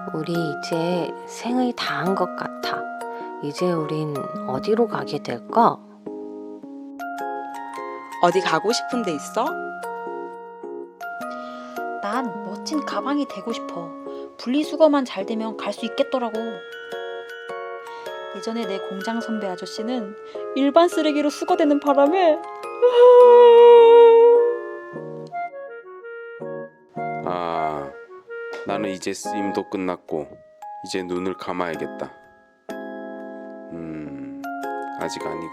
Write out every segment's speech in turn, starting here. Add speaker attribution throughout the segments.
Speaker 1: 우리 이제 생을 다 한 것 같아. 이제 우린 어디로 가게 될까?
Speaker 2: 어디 가고 싶은 데 있어?
Speaker 3: 난 멋진 가방이 되고 싶어. 분리수거만 잘 되면 갈 수 있겠더라고. 예전에 내 공장 선배 아저씨는 일반 쓰레기로 수거되는 바람에
Speaker 4: 아, 나는 이제 쓰임도 끝났고 이제 눈을 감아야겠다. 아직 아니군.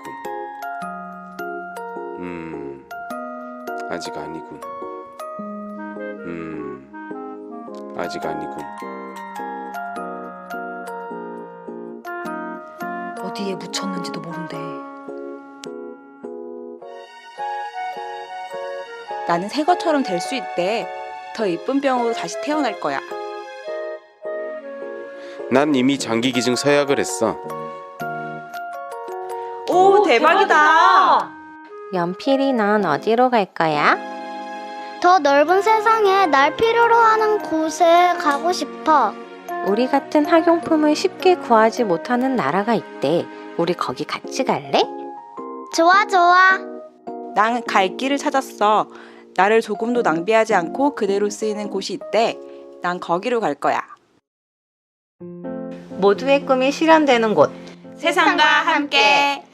Speaker 4: 아직 아니군. 아직 아니군.
Speaker 3: 어디에 묻혔는지도 모른대.
Speaker 2: 나는 새 것처럼 될 수 있대. 더 이쁜 병으로 다시 태어날 거야.
Speaker 4: 난 이미 장기 기증 서약을 했어.
Speaker 2: 오, 대박이다.
Speaker 1: 연필이 넌 어디로 갈 거야?
Speaker 5: 더 넓은 세상에 날 필요로 하는 곳에 가고 싶어.
Speaker 1: 우리 같은 학용품을 쉽게 구하지 못하는 나라가 있대. 우리 거기 같이 갈래?
Speaker 5: 좋아, 좋아.
Speaker 2: 난 갈 길을 찾았어. 나를 조금도 낭비하지 않고 그대로 쓰이는 곳이 있대. 난 거기로 갈 거야.
Speaker 1: 모두의 꿈이 실현되는 곳.
Speaker 2: 세상과 함께.